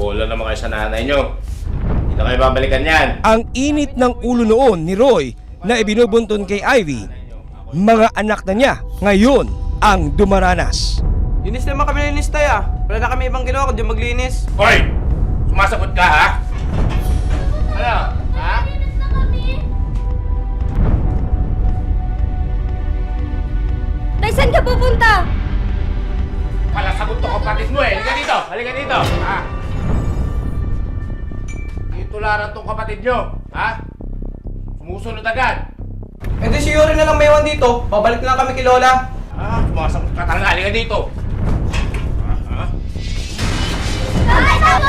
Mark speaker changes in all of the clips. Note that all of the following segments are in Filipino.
Speaker 1: Bola naman kayo sa nanay nyo. Hindi na kayo babalikan yan.
Speaker 2: Ang init ng ulo noon ni Roy na ibinubunton kay Ivy, mga anak na niya ngayon ang dumaranas.
Speaker 3: Linis naman kami linis tayo Wala na kami ibang ginawa kundi maglinis.
Speaker 1: Hoy! Sumasagot ka ha? Ano? Ha?
Speaker 4: Tay, saan ka pupunta?
Speaker 1: Palasagot to kapatid mo eh. Halika dito! Halika dito! Ha? Itularan tong kapatid nyo. Ha? Sumusunod agad.
Speaker 3: Eh di si Yuri na lang may iwan dito. Babalik na lang kami kay Lola.
Speaker 1: Sumasagot ka talaga. Halika dito! Ha?
Speaker 4: Tay, tama!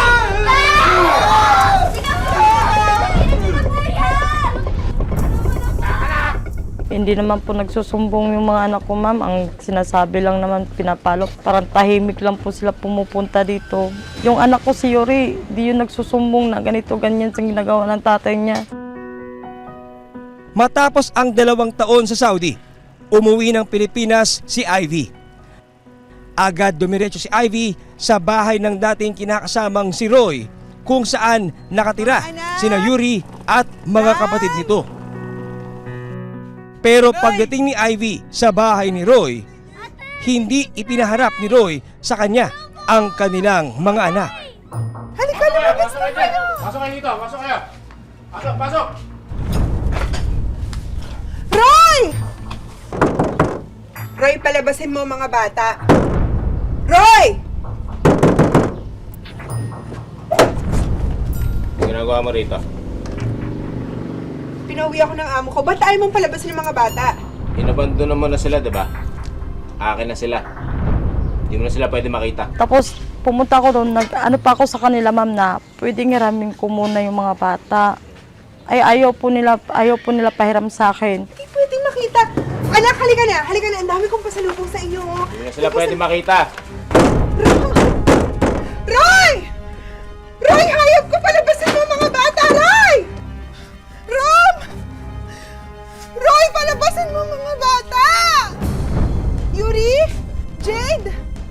Speaker 5: Hindi naman po nagsusumbong yung mga anak ko, ma'am. Ang sinasabi lang naman, pinapalo. Parang tahimik lang po sila pumupunta dito. Yung anak ko si Yuri, di yun nagsusumbong na ganito, ganyan sa ginagawa ng tatay niya.
Speaker 2: Matapos ang 2 taon sa Saudi, umuwi ng Pilipinas si Ivy. Agad dumiretso si Ivy sa bahay ng dating kinakasamang si Roy, kung saan nakatira sina Yuri at mga kapatid nito. Pero pagdating ni Ivy sa bahay ni Roy, hindi ipinaharap ni Roy sa kanya ang kanilang mga anak.
Speaker 1: Halika na! Pasok kayo dito! Pasok kayo! Pasok! Pasok!
Speaker 6: Roy! Roy, palabasin mo mga bata. Roy!
Speaker 1: Ang ginagawa mo rito?
Speaker 6: Pinauwi ako ng amo ko. Ba't ayaw mong palabasin yung mga bata?
Speaker 1: Inabandon mo na sila, diba? Akin na sila. Hindi mo na sila pwede makita.
Speaker 5: Tapos pumunta ako doon, ano pa ako sa kanila, ma'am, na pwedeng hiramin ko muna yung mga bata. Ay ayaw po nila pahiram sa akin.
Speaker 6: Hindi pwedeng makita. Anak, halika na. Halika na. Ang dami kong pasalubong sa inyo.
Speaker 1: Hindi na sila pwede makita.
Speaker 6: Roy! Roy, hayop ko! Palabasin mo mga bata! Roy! Rom! Roy, palabasin mo mga bata! Yuri? Jade?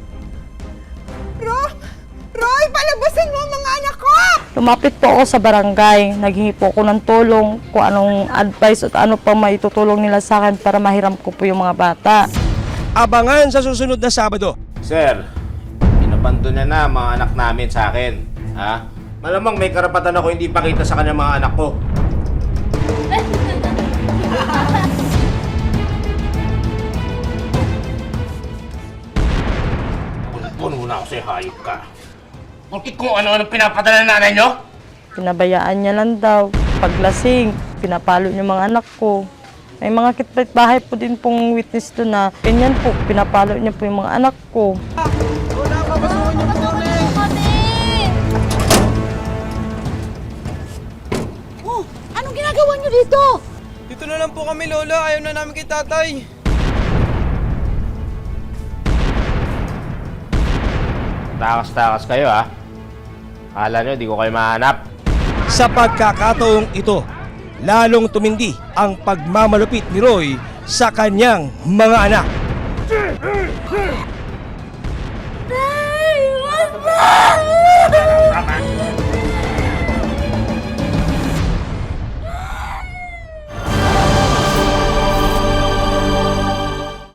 Speaker 6: Roy, palabasin mo mga anak ko!
Speaker 5: Lumapit po ako sa barangay, naghingi po ako ng tulong kung anong advice at ano pa maitutulong nila sa akin para mahiram ko po yung mga bata.
Speaker 2: Abangan sa susunod na Sabado.
Speaker 1: Sir, inabandon niya na mga anak namin sa akin. Ha? Malamang may karapatan ako hindi pakita sa kanya mga anak ko. Puno na ako sa'yo, hayop ka. Bakit kung ano-ano pinapadala ng nanay nyo?
Speaker 5: Pinabayaan niya lang daw. Paglasing, pinapalo niya mga anak ko. May mga kitbahay po din pong witness doon na ganyan po, pinapalo niya po yung mga anak ko.
Speaker 4: Oh, anong ginagawa niyo dito?
Speaker 3: Dito na lang po kami, Lola. Ayaw na namin kay tatay.
Speaker 1: Takas-takas kayo, ha? Akala nyo, di ko kayo mahanap.
Speaker 2: Sa pagkakataong ito, lalong tumindi ang pagmamalupit ni Roy sa kanyang mga anak.
Speaker 4: Tay, wag na!